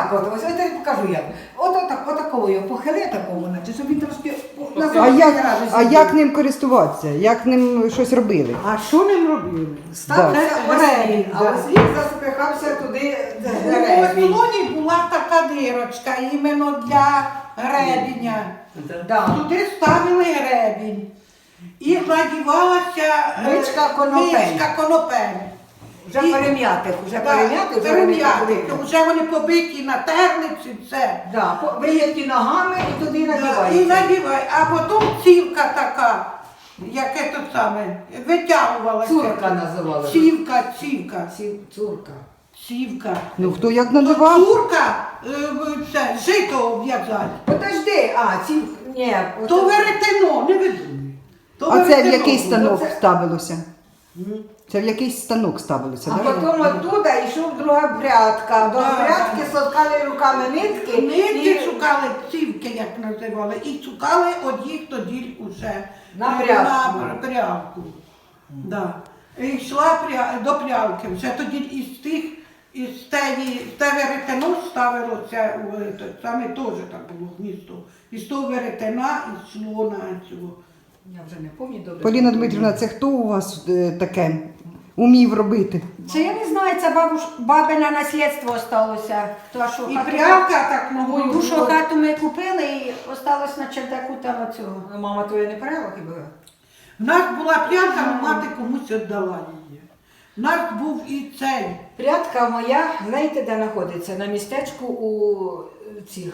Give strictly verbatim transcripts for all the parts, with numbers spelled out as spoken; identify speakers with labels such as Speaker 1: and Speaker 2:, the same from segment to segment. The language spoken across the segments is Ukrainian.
Speaker 1: отак от, ось я тобі покажу як. От отак, отакого його похили такого, наче, щоб він трошки на
Speaker 2: А
Speaker 1: сорок
Speaker 2: як,
Speaker 1: градусів
Speaker 2: а
Speaker 1: був.
Speaker 2: як ним користуватися? Як ним щось робили?
Speaker 3: А що ним робили?
Speaker 1: Ставився
Speaker 3: Да.
Speaker 1: гребінь, а
Speaker 3: Да.
Speaker 1: ось він запихався туди де
Speaker 3: У
Speaker 1: гребінь.
Speaker 3: Естонії була така дирочка іменно для гребеня.
Speaker 1: Да.
Speaker 3: Туди ставили гребінь. І надівалася е,
Speaker 1: Мичка конопель.
Speaker 3: мичка конопель.
Speaker 1: Вже
Speaker 3: І-
Speaker 1: перем'ятих, вже
Speaker 3: Да,
Speaker 1: перем'ятих, вже вони
Speaker 3: перем'ятих.
Speaker 1: покрили.
Speaker 3: Вже вони побиті на терниці, все.
Speaker 1: Да, по- виїдьті ногами і туди
Speaker 3: Да, і
Speaker 1: надівається.
Speaker 3: надівай. А потім цівка така, яке то саме, витягувалася.
Speaker 1: Цурка називали.
Speaker 3: Цівка, цівка,
Speaker 1: Ці- Цурка.
Speaker 3: цівка.
Speaker 2: Ну хто як
Speaker 3: То
Speaker 2: надавав?
Speaker 3: цурка, е, в- це, жито обв'язати.
Speaker 1: Подожди, а, ці, ні.
Speaker 3: То
Speaker 1: ото-
Speaker 3: веретено, не видумуй. То
Speaker 2: А це в
Speaker 3: веретено
Speaker 2: який
Speaker 3: було.
Speaker 2: станок
Speaker 1: Оце-
Speaker 2: ставилося?
Speaker 3: М.
Speaker 2: Це в якийсь станок ставилося,
Speaker 1: А
Speaker 2: так?
Speaker 1: потім оттуда йшов друга прядка. До
Speaker 3: Да,
Speaker 1: прядки
Speaker 3: да.
Speaker 1: соткали руками нитки.
Speaker 3: Нитки
Speaker 1: і-
Speaker 3: шукали, цівки, як називали, і шукали одіх тоді уже
Speaker 1: На
Speaker 3: е,
Speaker 1: прядку.
Speaker 3: на прялку. Да. І йшла пря- до прялки. Вже тоді із тих, із теї, те веретено ставилося, у, е, те- саме теж так було гніздо. Із того веретена йшло на цього.
Speaker 1: Я вже не пам'ятаю добре.
Speaker 2: Поліна Дмитрівна, це хто у вас е, таке умів робити?
Speaker 4: Це я не знаю, це бабуш, бабине наслідство осталося. То, що
Speaker 3: І
Speaker 4: хату-
Speaker 3: прялка так ногою.
Speaker 4: Ту, що хату ми купили і осталось на чердаку там оцього.
Speaker 1: Ну, мама твоя не перела хіба?
Speaker 3: В нас була прялка, але мати комусь віддала її. В нас був і цей.
Speaker 1: Прядка моя, знаєте, де знаходиться? На містечку у е, цих.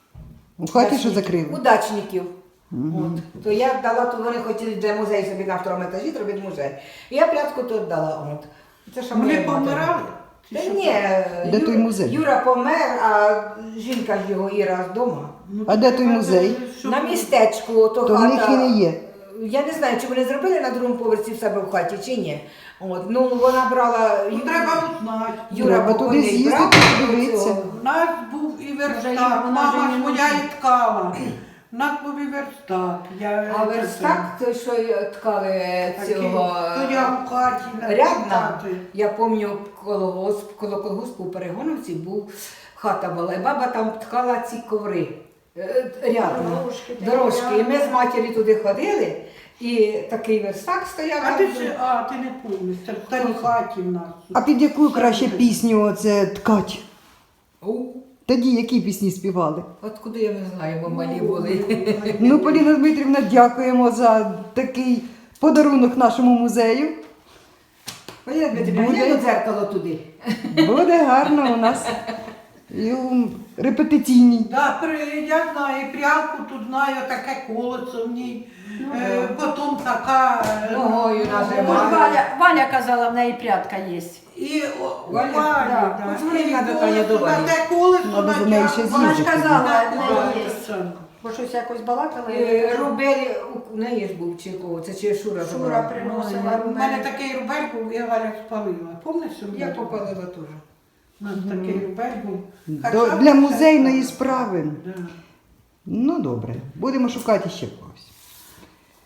Speaker 2: У хаті що
Speaker 1: дачників.
Speaker 2: закрили?
Speaker 1: У дачників. От. То я дала, то вони хотіли для музею собі на второму етажі зробити музей. І я прядку тут дала. От. Це що
Speaker 3: Вони
Speaker 1: моя мати.
Speaker 3: помирали? Чи
Speaker 1: Та
Speaker 3: що?
Speaker 1: ні,
Speaker 2: Де
Speaker 1: Ю-
Speaker 2: той музей?
Speaker 1: Юра помер, а жінка ж його Іра вдома.
Speaker 2: А де той музей?
Speaker 3: Що
Speaker 1: На
Speaker 3: ви-
Speaker 1: містечку, то,
Speaker 2: То в
Speaker 1: хата.
Speaker 2: них він і є.
Speaker 1: Я не знаю, чи вони зробили на другому поверсі в себе в хаті, чи ні. От, ну вона брала.
Speaker 3: Ну,
Speaker 1: Ю-
Speaker 3: треба узнати.
Speaker 1: Юра
Speaker 2: Треба
Speaker 1: покойний
Speaker 2: туди з'їздити,
Speaker 1: брав
Speaker 2: подивитися.
Speaker 1: цього.
Speaker 3: У нас був і
Speaker 4: Вже
Speaker 3: верстак,
Speaker 4: ж- вона
Speaker 3: мама
Speaker 4: вже
Speaker 3: ж
Speaker 4: не
Speaker 3: моя
Speaker 4: може.
Speaker 3: і ткала. У нас був і верстак. Я,
Speaker 1: А верстак, то що ткали цього
Speaker 3: То я в хаті на
Speaker 1: рядна.
Speaker 3: верстаті.
Speaker 1: Я пам'ятаю, коло госп- коло колгоспу у Перегоновці був хата була, і баба там ткала ці коври. е, Рядна.
Speaker 4: Дорожки,
Speaker 1: Дорожки. І ми
Speaker 4: рядна.
Speaker 1: з матір'ю туди ходили, і такий верстак стояв.
Speaker 3: А ти ще, а, ти не помниш, це в старій хаті в нас.
Speaker 2: А під яку краще пісню оце ткать?
Speaker 1: У,
Speaker 2: Тоді які пісні співали?
Speaker 1: От куди я не знаю, бо малі були.
Speaker 2: Ну, Поліна Дмитрівна, дякуємо за такий подарунок нашому музею.
Speaker 1: Поліна Дмитрівна,
Speaker 2: Буде.
Speaker 1: я до дзеркало туди.
Speaker 2: Буде гарно у нас. І у репетиційній.
Speaker 3: Да, при, я знаю, і прялку тут знаю, таке колесо в ній. Е, потім така. е,
Speaker 1: Ногою
Speaker 4: Бо ж
Speaker 1: нажимаю.
Speaker 4: Валя, Валя казала, в неї прядка є.
Speaker 3: І о,
Speaker 1: Валя,
Speaker 3: Валя,
Speaker 1: да.
Speaker 3: да.
Speaker 1: От вони
Speaker 3: І
Speaker 1: надо,
Speaker 3: колесо,
Speaker 1: Таня, до Валі.
Speaker 3: на те колесо
Speaker 2: Надо до неї ще
Speaker 3: натягнула.
Speaker 4: Вона ж
Speaker 2: з'їздити.
Speaker 4: казала, в
Speaker 3: Да,
Speaker 4: неї є.
Speaker 3: це.
Speaker 4: Бо щось якось балакала. і
Speaker 1: Е,
Speaker 4: я кажу,
Speaker 1: Рубелі, у неї ж був чи кого, це чи Шура
Speaker 4: Шура
Speaker 1: брала?
Speaker 4: приносила
Speaker 3: У мене
Speaker 4: рубель.
Speaker 3: такий рубель був, я Валя спалила. Пам'ятаєш, що в
Speaker 1: Я
Speaker 3: мене був?
Speaker 1: попалила теж.
Speaker 3: У нас такий рубель був.
Speaker 2: До,
Speaker 3: Хоча б
Speaker 2: для
Speaker 3: це-
Speaker 2: музейної справи.
Speaker 3: Да.
Speaker 2: Ну добре, будемо шукати ще когось.